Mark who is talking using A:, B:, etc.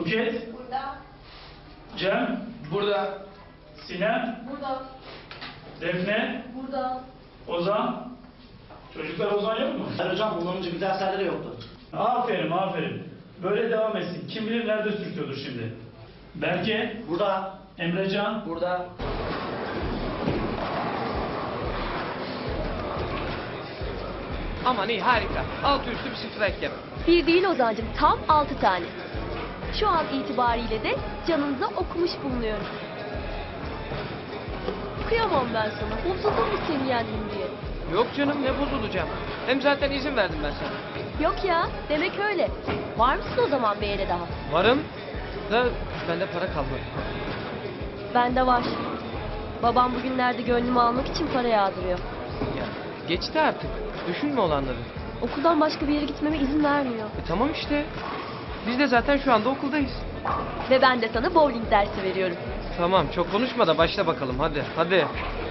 A: Buket,
B: Burada.
A: Cem,
C: Burada.
A: Sinem,
B: Burada.
A: Defne,
B: Burada.
A: Ozan. Çocuklar Ozan yok mu?
D: Hayır hocam bundan önce bir derslerde de yoktu.
A: Aferin, aferin. Böyle devam etsin. Kim bilir nerede sürtüyordur şimdi. Berke,
D: Burada.
A: Emrecan,
C: Burada. Aman iyi, harika. Altı üstü bir strike yap.
E: Bir değil Ozan'cığım, tam 6 tane. Şu an itibariyle de canınıza okumuş bulunuyorum. Kıyamam ben sana. Bozuldun mu seni yendim diye?
C: Yok canım, ne bozulacağım. Hem zaten izin verdim ben sana.
E: Yok ya, demek öyle. Var mısın o zaman bir yere daha?
C: Varım da bende para kalmadı.
E: Bende var. Babam bugünlerde gönlümü almak için para yağdırıyor.
C: Ya geçti artık. Düşünme olanları.
E: Okuldan başka bir yere gitmeme izin vermiyor.
C: Tamam işte. Biz de zaten şu anda okuldayız.
E: Ve ben de sana bowling dersi veriyorum.
C: Tamam, çok konuşma da başla bakalım, hadi. Hadi.